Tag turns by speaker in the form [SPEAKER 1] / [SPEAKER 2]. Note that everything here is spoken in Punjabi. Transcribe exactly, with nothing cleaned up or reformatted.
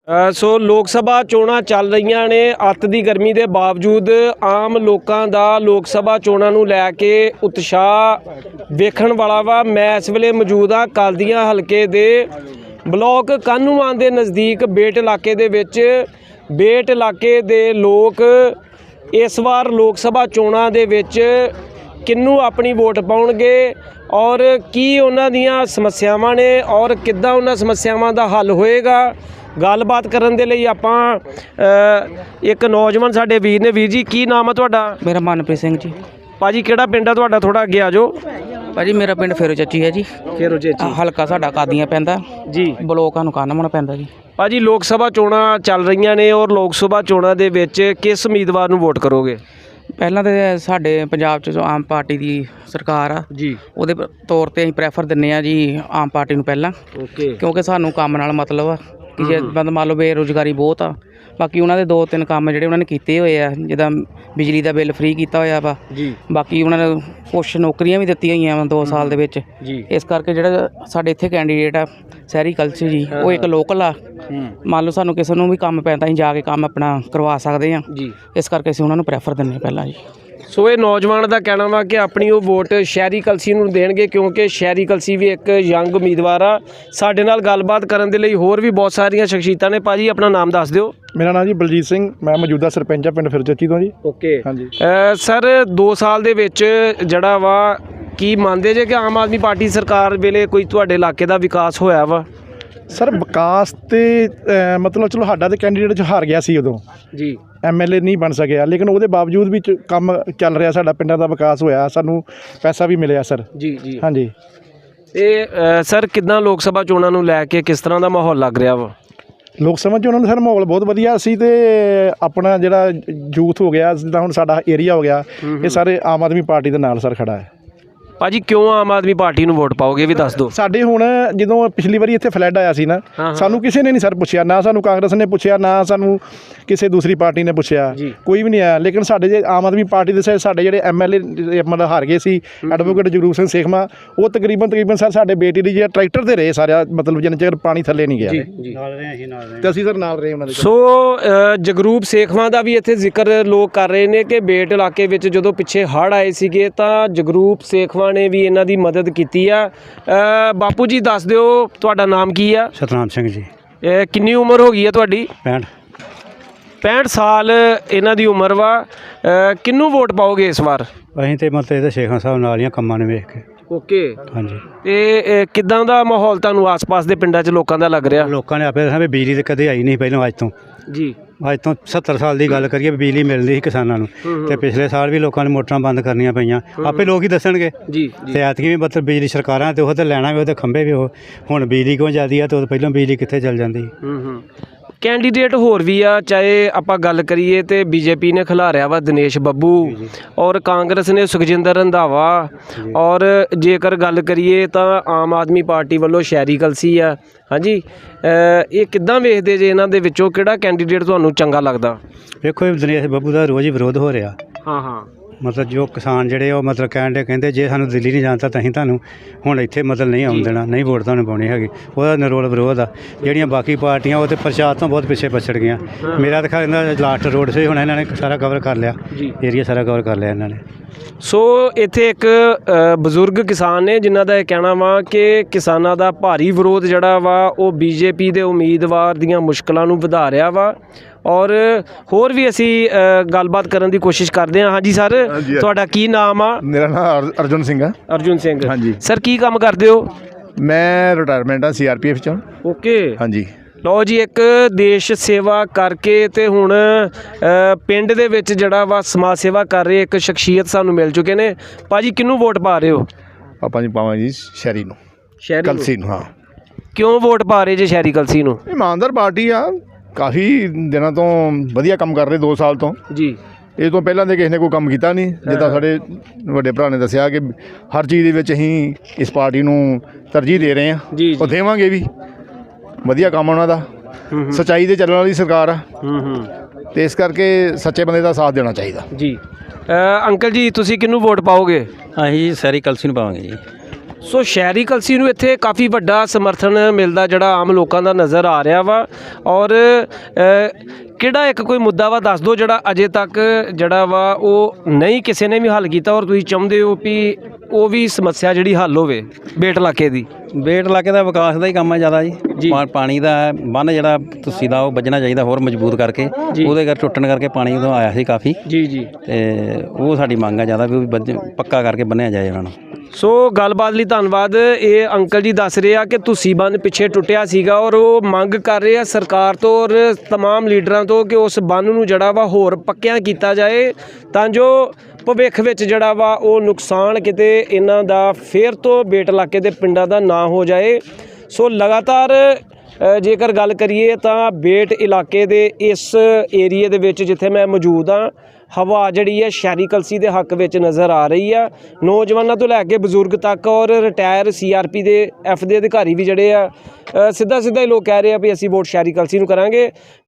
[SPEAKER 1] ਸੋ ਲੋਕ ਸਭਾ ਚੋਣਾਂ ਚੱਲ ਰਹੀਆਂ ਨੇ। ਅੱਤ ਦੀ ਗਰਮੀ ਦੇ ਬਾਵਜੂਦ ਆਮ ਲੋਕਾਂ ਦਾ ਲੋਕ ਸਭਾ ਚੋਣਾਂ ਨੂੰ ਲੈ ਕੇ ਉਤਸ਼ਾਹ ਵੇਖਣ ਵਾਲਾ ਵਾ। ਮੈਂ ਇਸ ਵੇਲੇ ਮੌਜੂਦ ਹਾਂ ਕਲਦੀਆਂ ਹਲਕੇ ਦੇ ਬਲਾਕ ਕਾਹਨੂੰਵਾਨ ਦੇ ਨਜ਼ਦੀਕ ਬੇਟ ਇਲਾਕੇ ਦੇ ਵਿੱਚ। ਬੇਟ ਇਲਾਕੇ ਦੇ ਲੋਕ ਇਸ ਵਾਰ ਲੋਕ ਸਭਾ ਚੋਣਾਂ ਦੇ ਵਿੱਚ ਕਿਹਨੂੰ ਆਪਣੀ ਵੋਟ ਪਾਉਣਗੇ ਔਰ ਕੀ ਉਹਨਾਂ ਦੀਆਂ ਸਮੱਸਿਆਵਾਂ ਨੇ ਔਰ ਕਿੱਦਾਂ ਉਹਨਾਂ ਸਮੱਸਿਆਵਾਂ ਦਾ ਹੱਲ ਹੋਏਗਾ। ਗੱਲਬਾਤ ਕਰਨ ਦੇ ਲਈ ਆਪਾਂ ਇੱਕ ਨੌਜਵਾਨ ਸਾਡੇ ਵੀਰ ਨੇ। ਵੀਰ ਜੀ ਕੀ ਨਾਮ ਆ ਤੁਹਾਡਾ?
[SPEAKER 2] ਮੇਰਾ ਮਨਪ੍ਰੀਤ ਸਿੰਘ ਜੀ।
[SPEAKER 1] ਭਾਜੀ ਕਿਹੜਾ ਪਿੰਡ ਆ ਤੁਹਾਡਾ? ਥੋੜਾ ਅੱਗੇ ਆ ਜਾਓ।
[SPEAKER 2] ਭਾਜੀ ਮੇਰਾ ਪਿੰਡ ਫੇਰੋ ਚੱਚੀ ਹੈ ਜੀ।
[SPEAKER 1] ਫੇਰੋ ਚੱਚੀ
[SPEAKER 2] ਹਲਕਾ ਸਾਡਾ ਕਾਦੀਆਂ ਪੈਂਦਾ
[SPEAKER 1] ਜੀ।
[SPEAKER 2] ਬਲੋਕ ਨੂੰ ਕਾਹਨੂੰਵਾਨ ਪੈਂਦਾ ਜੀ।
[SPEAKER 1] ਭਾਜੀ ਲੋਕ ਸਭਾ ਚੋਣਾਂ ਚੱਲ ਰਹੀਆਂ ਨੇ ਔਰ ਲੋਕ ਸਭਾ ਚੋਣਾਂ ਦੇ ਵਿੱਚ ਕਿਸ ਉਮੀਦਵਾਰ ਨੂੰ ਵੋਟ ਕਰੋਗੇ?
[SPEAKER 2] ਪਹਿਲਾਂ ਤਾਂ ਸਾਡੇ ਪੰਜਾਬ 'ਚ ਜੋ ਆਮ ਪਾਰਟੀ ਦੀ ਸਰਕਾਰ ਆ
[SPEAKER 1] ਜੀ,
[SPEAKER 2] ਉਹਦੇ ਤੌਰ 'ਤੇ ਅਸੀਂ ਪ੍ਰੈਫਰ ਦਿੰਦੇ ਹਾਂ ਜੀ ਆਮ ਪਾਰਟੀ ਨੂੰ ਪਹਿਲਾਂ।
[SPEAKER 1] ਓਕੇ।
[SPEAKER 2] ਕਿਉਂਕਿ ਸਾਨੂੰ ਕੰਮ ਨਾਲ ਮਤਲਬ ਆ ਕਿ ਜੇ ਬੰਦ ਮੰਨ ਲਓ ਬੇਰੁਜ਼ਗਾਰੀ ਬਹੁਤ ਆ। ਬਾਕੀ ਉਹਨਾਂ ਦੇ ਦੋ ਤਿੰਨ ਕੰਮ ਜਿਹੜੇ ਉਹਨਾਂ ਨੇ ਕੀਤੇ ਹੋਏ ਆ, ਜਿੱਦਾਂ ਬਿਜਲੀ ਦਾ ਬਿੱਲ ਫ੍ਰੀ ਕੀਤਾ ਹੋਇਆ ਵਾ
[SPEAKER 1] ਜੀ।
[SPEAKER 2] ਬਾਕੀ ਉਹਨਾਂ ਨੇ ਕੁਛ ਨੌਕਰੀਆਂ ਵੀ ਦਿੱਤੀਆਂ ਹੋਈਆਂ ਵਾ ਦੋ ਸਾਲ ਦੇ ਵਿੱਚ
[SPEAKER 1] ਜੀ।
[SPEAKER 2] ਇਸ ਕਰਕੇ ਜਿਹੜਾ ਸਾਡੇ ਇੱਥੇ ਕੈਂਡੀਡੇਟ ਆ ਸਹਿਰੀ ਕਲਸੀ ਜੀ, ਉਹ ਇੱਕ ਲੋਕਲ ਆ। ਮੰਨ ਲਓ ਸਾਨੂੰ ਕਿਸੇ ਨੂੰ ਵੀ ਕੰਮ ਪੈਂਦਾ ਅਸੀਂ ਜਾ ਕੇ ਕੰਮ ਆਪਣਾ ਕਰਵਾ ਸਕਦੇ ਹਾਂ ਜੀ। ਇਸ ਕਰਕੇ ਅਸੀਂ ਉਹਨਾਂ ਨੂੰ ਪ੍ਰੈਫਰ ਦਿੰਦੇ ਪਹਿਲਾਂ ਜੀ।
[SPEAKER 1] ਸੋ ਇਹ ਨੌਜਵਾਨ ਦਾ ਕਹਿਣਾ ਵਾ ਕਿ ਆਪਣੀ ਉਹ ਵੋਟ ਸ਼ਹਿਰੀ ਕਲਸੀ ਨੂੰ ਦੇਣਗੇ ਕਿਉਂਕਿ ਸ਼ਹਿਰੀ ਕਲਸੀ ਵੀ ਇੱਕ ਯੰਗ ਉਮੀਦਵਾਰ ਆ। ਸਾਡੇ ਨਾਲ ਗੱਲਬਾਤ ਕਰਨ ਦੇ ਲਈ ਹੋਰ ਵੀ ਬਹੁਤ ਸਾਰੀਆਂ ਸ਼ਖਸੀਅਤਾਂ ਨੇ। ਭਾਜੀ ਆਪਣਾ ਨਾਮ ਦੱਸ ਦਿਓ।
[SPEAKER 3] ਮੇਰਾ ਨਾਮ ਜੀ ਬਲਜੀਤ ਸਿੰਘ, ਮੈਂ ਮੌਜੂਦਾ ਸਰਪੰਚ ਆ ਪਿੰਡ ਫੇਰੋ ਚੱਚੀ ਤੋਂ ਜੀ।
[SPEAKER 1] ਓਕੇ
[SPEAKER 3] ਹਾਂਜੀ
[SPEAKER 1] ਸਰ, ਦੋ ਸਾਲ ਦੇ ਵਿੱਚ ਜਿਹੜਾ ਵਾ ਕੀ ਮੰਨਦੇ ਜੇ ਕਿ ਆਮ ਆਦਮੀ ਪਾਰਟੀ ਸਰਕਾਰ ਵੇਲੇ ਕੋਈ ਤੁਹਾਡੇ ਇਲਾਕੇ ਦਾ ਵਿਕਾਸ ਹੋਇਆ ਵਾ?
[SPEAKER 3] ਸਰ ਵਿਕਾਸ ਤੇ ਮਤਲਬ ਚਲੋ ਸਾਡਾ ਤੇ ਕੈਂਡੀਡੇਟ 'ਚ ਹਾਰ ਗਿਆ ਸੀ ਉਦੋਂ
[SPEAKER 1] ਜੀ,
[SPEAKER 3] ਐਮ ਐਲ ਏ ਨਹੀਂ ਬਣ ਸਕਿਆ, ਲੇਕਿਨ ਉਹਦੇ ਬਾਵਜੂਦ ਵੀ ਕੰਮ ਚੱਲ ਰਿਹਾ, ਸਾਡਾ ਪਿੰਡਾਂ ਦਾ ਵਿਕਾਸ ਹੋਇਆ, ਸਾਨੂੰ ਪੈਸਾ ਵੀ ਮਿਲਿਆ ਸਰ।
[SPEAKER 1] ਜੀ ਜੀ
[SPEAKER 3] ਹਾਂਜੀ।
[SPEAKER 1] ਇਹ ਸਰ ਕਿੱਦਾਂ ਲੋਕ ਸਭਾ ਚੋਣਾਂ ਨੂੰ ਲੈ ਕੇ ਕਿਸ ਤਰ੍ਹਾਂ ਦਾ ਮਾਹੌਲ ਲੱਗ ਰਿਹਾ ਵਾ?
[SPEAKER 3] ਲੋਕ ਸਭਾ 'ਚ ਉਹਨਾਂ ਨੂੰ ਸਰ ਮਾਹੌਲ ਬਹੁਤ ਵਧੀਆ ਸੀ ਤੇ ਆਪਣਾ ਜਿਹੜਾ ਯੂਥ ਹੋ ਗਿਆ, ਜਿੱਦਾਂ ਹੁਣ ਸਾਡਾ ਏਰੀਆ ਹੋ ਗਿਆ, ਇਹ ਸਾਰੇ ਆਮ ਆਦਮੀ ਪਾਰਟੀ ਦੇ ਨਾਲ ਸਰ ਖੜਾ ਹੈ।
[SPEAKER 1] ਭਾਜੀ ਕਿਉਂ ਆਮ ਆਦਮੀ ਪਾਰਟੀ ਨੂੰ ਵੋਟ ਪਾਓਗੇ ਵੀ ਦੱਸ ਦਿਓ।
[SPEAKER 3] ਸਾਡੇ ਹੁਣ ਜਦੋਂ ਪਿਛਲੀ ਵਾਰੀ ਇੱਥੇ ਫਲੱਡ ਆਇਆ ਸੀ ਨਾ, ਸਾਨੂੰ ਕਿਸੇ ਨੇ ਨਹੀਂ ਸਰ ਪੁੱਛਿਆ, ਨਾ ਸਾਨੂੰ ਕਾਂਗਰਸ ਨੇ ਪੁੱਛਿਆ, ਨਾ ਸਾਨੂੰ ਕਿਸੇ ਦੂਸਰੀ ਪਾਰਟੀ ਨੇ ਪੁੱਛਿਆ, ਕੋਈ ਵੀ ਨਹੀਂ ਆਇਆ। ਲੇਕਿਨ ਸਾਡੇ ਜੇ ਆਮ ਆਦਮੀ ਪਾਰਟੀ ਦੇ ਸਾਡੇ ਜਿਹੜੇ ਐਮ ਐਲ ਏ ਮਤਲਬ ਹਾਰ ਗਏ ਸੀ, ਐਡਵੋਕੇਟ ਜਗਰੂਪ ਸਿੰਘ ਸੇਖਵਾਂ, ਉਹ ਤਕਰੀਬਨ ਤਕਰੀਬਨ ਸਰ ਸਾਡੇ ਬੇਟੀ ਦੀ ਜਿਹੜਾ ਟਰੈਕਟਰ ਤੇ ਰਹੇ ਸਾਰਾ, ਮਤਲਬ ਜਿੰਨੇ ਚਿਰ ਪਾਣੀ ਥੱਲੇ ਨਹੀਂ ਗਿਆ ਤੇ ਅਸੀਂ ਸਰ ਨਾਲ ਰਹੇ ਉਹਨਾਂ ਦੇ।
[SPEAKER 1] ਸੋ ਜਗਰੂਪ ਸੇਖਵਾਂ ਦਾ ਵੀ ਇੱਥੇ ਜ਼ਿਕਰ ਲੋਕ ਕਰ ਰਹੇ ਨੇ ਕਿ ਬੇਟ ਇਲਾਕੇ ਵਿੱਚ ਜਦੋਂ ਪਿੱਛੇ ਹੜ੍ਹ ਆਏ ਸੀਗੇ ਤਾਂ ਜਗਰੂਪ ਸੇਖਵਾਂ ਨੇ ਵੀ ਇਹਨਾਂ ਦੀ ਮਦਦ ਕੀਤੀ ਆ। ਬਾਪੂ ਜੀ ਦੱਸ ਦਿਓ ਤੁਹਾਡਾ ਨਾਮ ਕੀ ਆ?
[SPEAKER 4] ਸਤਨਾਮ ਸਿੰਘ ਜੀ।
[SPEAKER 1] ਕਿੰਨੀ ਉਮਰ ਹੋ ਗਈ ਹੈ ਤੁਹਾਡੀ?
[SPEAKER 4] ਪੈਂਹਠ
[SPEAKER 1] ਪੈਂਹਠ ਸਾਲ ਇਹਨਾਂ ਦੀ ਉਮਰ ਵਾ। ਕਿਹਨੂੰ ਵੋਟ ਪਾਓਗੇ ਇਸ ਵਾਰ?
[SPEAKER 4] ਅਸੀਂ ਤੇ ਮਤਲਬ ਇਹਦੇ ਸ਼ੇਖਾਂ ਸਾਹਿਬ ਨਾਲ ਦੀਆਂ ਕੰਮਾਂ ਨੂੰ ਵੇਖ ਕੇ।
[SPEAKER 1] ਓਕੇ।
[SPEAKER 4] ਹਾਂਜੀ।
[SPEAKER 1] ਤੇ ਕਿੱਦਾਂ ਦਾ ਮਾਹੌਲ ਤੁਹਾਨੂੰ ਆਸ-ਪਾਸ ਦੇ ਪਿੰਡਾਂ 'ਚ ਲੋਕਾਂ ਦਾ ਲੱਗ ਰਿਹਾ?
[SPEAKER 4] ਲੋਕਾਂ ਨੇ ਆਪੇ ਦੱਸਿਆ ਵੀ ਬਿਜਲੀ ਤਾਂ ਕਦੇ ਆਈ ਨਹੀਂ ਪਹਿਲਾਂ, ਅੱਜ ਤੋਂ
[SPEAKER 1] ਜੀ
[SPEAKER 4] ਅੱਜ ਤੋਂ ਸੱਤਰ ਸਾਲ ਦੀ ਗੱਲ ਕਰੀਏ, ਬਿਜਲੀ ਮਿਲਦੀ ਸੀ ਕਿਸਾਨਾਂ ਨੂੰ, ਤੇ ਪਿਛਲੇ ਸਾਲ ਵੀ ਲੋਕਾਂ ਨੇ ਮੋਟਰਾਂ ਬੰਦ ਕਰਨੀਆਂ ਪਈਆਂ, ਆਪੇ ਲੋਕ ਹੀ ਦੱਸਣਗੇ ਜੀ। ਤੇ ਐਤਕੀ ਵੀ ਮਤਲਬ ਬਿਜਲੀ ਸਰਕਾਰਾਂ ਤੇ ਉਹ ਤੇ ਲੈਣਾ ਵੀ, ਉਹਦੇ ਖੰਭੇ ਵੀ ਉਹ ਹੁਣ ਬਿਜਲੀ ਕਿਉਂ ਜਾਂਦੀ ਆ, ਤੇ ਉਹ ਪਹਿਲਾਂ ਬਿਜਲੀ ਕਿੱਥੇ ਚੱਲ ਜਾਂਦੀ।
[SPEAKER 1] ਕੈਂਡੀਡੇਟ ਹੋਰ ਵੀ ਆ, ਚਾਹੇ ਆਪਾਂ ਗੱਲ ਕਰੀਏ ਤੇ ਬੀਜੇਪੀ ਨੇ ਖਿਲਾਰਿਆ ਵਾ ਦਿਨੇਸ਼ ਬੱਬੂ ਔਰ ਕਾਂਗਰਸ ਨੇ ਸੁਖਜਿੰਦਰ ਰੰਧਾਵਾ, ਔਰ ਜੇਕਰ ਗੱਲ ਕਰੀਏ ਤਾਂ ਆਮ ਆਦਮੀ ਪਾਰਟੀ ਵੱਲੋਂ ਸ਼ਹਿਰੀ ਕਲਸੀ ਆ। ਹਾਂਜੀ, ਇਹ ਕਿੱਦਾਂ ਵੇਖਦੇ ਜੇ ਇਹਨਾਂ ਦੇ ਵਿੱਚੋਂ ਕਿਹੜਾ ਕੈਂਡੀਡੇਟ ਤੁਹਾਨੂੰ ਚੰਗਾ ਲੱਗਦਾ?
[SPEAKER 4] ਵੇਖੋ ਇਹ ਦਿਨੇਸ਼ ਬੱਬੂ ਦਾ ਰੋਜ਼ ਹੀ ਵਿਰੋਧ ਹੋ ਰਿਹਾ। ਹਾਂ ਹਾਂ ਮਤਲਬ ਜੋ ਕਿਸਾਨ ਜਿਹੜੇ ਉਹ ਮਤਲਬ ਕਹਿਣ ਦੇ ਕਹਿੰਦੇ ਜੇ ਸਾਨੂੰ ਦਿੱਲੀ ਨਹੀਂ ਜਾਣ ਤਾਂ ਅਸੀਂ ਤੁਹਾਨੂੰ ਹੁਣ ਇੱਥੇ ਮਤਲਬ ਨਹੀਂ ਆਉਣ ਦੇਣਾ, ਨਹੀਂ ਵੋਟ ਤੁਹਾਨੂੰ ਪਾਉਣੀ ਹੈਗੀ, ਉਹਦਾ ਨਿਰੋਲ ਵਿਰੋਧ ਆ। ਜਿਹੜੀਆਂ ਬਾਕੀ ਪਾਰਟੀਆਂ ਉਹ ਤਾਂ ਪ੍ਰਚਾਰ ਤੋਂ ਬਹੁਤ ਪਿੱਛੇ ਪਛੜ ਗਈਆਂ। ਮੇਰਾ ਤਾਂ ਖਿਆਲ ਇਹਨਾਂ ਲਾਸਟ ਰੋਡ ਸੇ ਹੁਣ ਇਹਨਾਂ ਨੇ ਸਾਰਾ ਕਵਰ ਕਰ ਲਿਆ, ਏਰੀਆ ਸਾਰਾ ਕਵਰ ਕਰ ਲਿਆ ਇਹਨਾਂ ਨੇ।
[SPEAKER 1] ਸੋ ਇੱਥੇ ਇੱਕ ਬਜ਼ੁਰਗ ਕਿਸਾਨ ਨੇ ਜਿਨ੍ਹਾਂ ਦਾ ਇਹ ਕਹਿਣਾ ਵਾ ਕਿ ਕਿਸਾਨਾਂ ਦਾ ਭਾਰੀ ਵਿਰੋਧ ਜਿਹੜਾ ਵਾ ਉਹ ਬੀਜੇਪੀ ਦੇ ਉਮੀਦਵਾਰ ਦੀਆਂ ਮੁਸ਼ਕਲਾਂ ਨੂੰ ਵਧਾ ਰਿਹਾ ਵਾ। ਔਰ ਹੋਰ ਵੀ ਅਸੀਂ ਗੱਲਬਾਤ ਕਰਨ ਦੀ ਕੋਸ਼ਿਸ਼ ਕਰਦੇ ਹਾਂ। ਹਾਂਜੀ ਸਰ, ਤੁਹਾਡਾ ਕੀ ਨਾਮ ਆ?
[SPEAKER 5] ਮੇਰਾ ਨਾਮ ਅਰਜੁਨ ਸਿੰਘ ਆ।
[SPEAKER 1] ਅਰਜੁਨ ਸਿੰਘ।
[SPEAKER 5] ਹਾਂਜੀ
[SPEAKER 1] ਸਰ, ਕੀ ਕੰਮ ਕਰਦੇ ਹੋ?
[SPEAKER 5] ਮੈਂ ਰਿਟਾਇਰਮੈਂਟ ਆ ਸੀ ਆਰ ਪੀ ਐਫ ਚੋਂ।
[SPEAKER 1] ਓਕੇ।
[SPEAKER 5] ਹਾਂਜੀ।
[SPEAKER 1] ਲਓ ਜੀ, ਇੱਕ ਦੇਸ਼ ਸੇਵਾ ਕਰਕੇ ਤੇ ਹੁਣ ਪਿੰਡ ਦੇ ਵਿੱਚ ਜਿਹੜਾ ਵਾ ਸਮਾਜ ਸੇਵਾ ਕਰ ਰਹੇ ਇੱਕ ਸ਼ਖਸੀਅਤ ਸਾਨੂੰ ਮਿਲ ਚੁੱਕੇ ਨੇ। ਭਾਜੀ ਕਿਹਨੂੰ ਵੋਟ ਪਾ ਰਹੇ ਹੋ?
[SPEAKER 5] ਆਪਾਂ ਜੀ ਪਾਵਾਂ ਜੀ ਸ਼ਹਿਰੀ ਨੂੰ,
[SPEAKER 1] ਸ਼ਹਿਰੀ
[SPEAKER 5] ਕਲਸੀ ਨੂੰ। ਹਾਂ।
[SPEAKER 1] ਕਿਉਂ ਵੋਟ ਪਾ ਰਹੇ ਜੇ ਸ਼ਹਿਰੀ ਕਲਸੀ ਨੂੰ?
[SPEAKER 5] ਇਮਾਨਦਾਰ ਪਾਰਟੀ ਆ, ਕਾਫੀ ਦਿਨਾਂ ਤੋਂ ਵਧੀਆ ਕੰਮ ਕਰ ਰਹੇ, ਦੋ ਸਾਲ ਤੋਂ ਜੀ। ਇਹ ਤੋਂ ਪਹਿਲਾਂ ਦੇ ਕਿਸੇ ਨੇ ਕੋਈ ਕੰਮ ਕੀਤਾ ਨਹੀਂ। ਜਿੱਦਾਂ ਸਾਡੇ ਵੱਡੇ ਭਰਾ ਨੇ ਦੱਸਿਆ ਕਿ ਹਰ ਚੀਜ਼ ਦੇ ਵਿੱਚ ਅਸੀਂ ਇਸ ਪਾਰਟੀ ਨੂੰ ਤਰਜੀਹ ਦੇ ਰਹੇ ਹਾਂ, ਉਹ ਦੇਵਾਂਗੇ ਵੀ। ਵਧੀਆ ਕੰਮ ਉਹਨਾਂ ਦਾ, ਸੱਚਾਈ ਦੇ ਚੱਲਣ ਵਾਲੀ ਸਰਕਾਰ ਆ, ਤੇ ਇਸ ਕਰਕੇ ਸੱਚੇ ਬੰਦੇ ਦਾ ਸਾਥ ਦੇਣਾ ਚਾਹੀਦਾ ਜੀ। ਅੰਕਲ ਜੀ, ਤੁਸੀਂ ਕਿਹਨੂੰ ਵੋਟ ਪਾਓਗੇ?
[SPEAKER 6] ਅਸੀਂ ਸ਼ਹਿਰੀ ਕਲਸੀ ਨੂੰ ਪਾਵਾਂਗੇ ਜੀ।
[SPEAKER 1] ਸੋ ਸ਼ਹਿਰੀ ਕਲਸੀ ਨੂੰ ਇੱਥੇ ਕਾਫੀ ਵੱਡਾ ਸਮਰਥਨ ਮਿਲਦਾ ਜਿਹੜਾ ਆਮ ਲੋਕਾਂ ਦਾ ਨਜ਼ਰ ਆ ਰਿਹਾ ਵਾ। ਔਰ ਅ, ਕਿਹੜਾ ਇੱਕ ਕੋਈ ਮੁੱਦਾ ਵਾ ਦੱਸ ਦਿਓ ਜਿਹੜਾ ਅਜੇ ਤੱਕ ਜਿਹੜਾ ਵਾ ਉਹ ਨਹੀਂ ਕਿਸੇ ਨੇ ਵੀ ਹੱਲ ਕੀਤਾ ਔਰ ਤੁਸੀਂ ਚਾਹੁੰਦੇ ਹੋ ਵੀ ਉਹ ਵੀ ਸਮੱਸਿਆ ਜਿਹੜੀ ਹੱਲ ਹੋਵੇ ਬੇਟ ਇਲਾਕੇ ਦੀ।
[SPEAKER 6] ਬੇਟ ਇਲਾਕੇ ਦਾ ਵਿਕਾਸ ਦਾ ਹੀ ਕੰਮ ਹੈ ਜ਼ਿਆਦਾ ਜੀ। ਪਾ- ਪਾਣੀ ਦਾ ਬੰਨ੍ਹ ਜਿਹੜਾ ਤੁਸੀਂ ਦਾ ਉਹ ਵੱਜਣਾ ਚਾਹੀਦਾ ਹੋਰ ਮਜ਼ਬੂਤ ਕਰਕੇ, ਉਹਦੇ ਕਰ ਟੁੱਟਣ ਕਰਕੇ ਪਾਣੀ ਉਦੋਂ ਆਇਆ ਸੀ ਕਾਫੀ
[SPEAKER 1] ਜੀ ਜੀ
[SPEAKER 6] ਤੇ ਉਹ ਸਾਡੀ ਮੰਗ ਹੈ ਜ਼ਿਆਦਾ ਵੀ ਉਹ ਵੀ ਵੱਜ- ਪੱਕਾ ਕਰਕੇ ਬੰਨਿਆ ਜਾਏ ਉਹਨਾਂ ਨੂੰ।
[SPEAKER 1] ਸੋ ਗੱਲਬਾਤ ਲਈ ਧੰਨਵਾਦ। ਇਹ ਅੰਕਲ ਜੀ ਦੱਸ ਰਹੇ ਆ ਕਿ ਤੁਸੀਂ ਬੰਨ ਪਿੱਛੇ ਟੁੱਟਿਆ ਸੀਗਾ ਔਰ ਉਹ ਮੰਗ ਕਰ ਰਹੇ ਆ ਸਰਕਾਰ ਤੋਂ ਔਰ ਤਮਾਮ ਲੀਡਰਾਂ ਤੋਂ ਕਿ ਉਸ ਬੰਨ ਨੂੰ ਜਿਹੜਾ ਵਾ ਹੋਰ ਪੱਕਿਆਂ ਕੀਤਾ ਜਾਏ ਤਾਂ ਜੋ ਭਵਿੱਖ ਵਿੱਚ ਜਿਹੜਾ ਵਾ ਉਹ ਨੁਕਸਾਨ ਕਿਤੇ ਇਹਨਾਂ ਦਾ ਫੇਰ ਤੋਂ ਬੇਟ ਇਲਾਕੇ ਦੇ ਪਿੰਡਾਂ ਦਾ ਨਾ ਹੋ ਜਾਏ। ਸੋ ਲਗਾਤਾਰ ਅ, ਜੇਕਰ ਗੱਲ ਕਰੀਏ ਤਾਂ ਬੇਟ ਇਲਾਕੇ ਦੇ ਇਸ ਏਰੀਏ ਦੇ ਵਿੱਚ ਜਿੱਥੇ ਮੈਂ ਮੌਜੂਦ ਹਾਂ, ਹਵਾ ਜਿਹੜੀ ਹੈ ਸ਼ਹਿਰੀ ਕਲਸੀ ਦੇ ਹੱਕ ਵਿੱਚ ਨਜ਼ਰ ਆ ਰਹੀ ਆ। ਨੌਜਵਾਨਾਂ ਤੋਂ ਲੈ ਕੇ ਬਜ਼ੁਰਗ ਤੱਕ ਔਰ ਰਿਟਾਇਰ ਸੀ ਆਰ ਪੀ ਦੇ ਐਫ ਦੇ ਅਧਿਕਾਰੀ ਵੀ ਜਿਹੜੇ ਆ ਸਿੱਧਾ ਸਿੱਧਾ ਹੀ ਲੋਕ ਕਹਿ ਰਹੇ ਆ ਵੀ ਅਸੀਂ ਵੋਟ ਸ਼ਹਿਰੀ ਕਲਸੀ ਨੂੰ ਕਰਾਂਗੇ।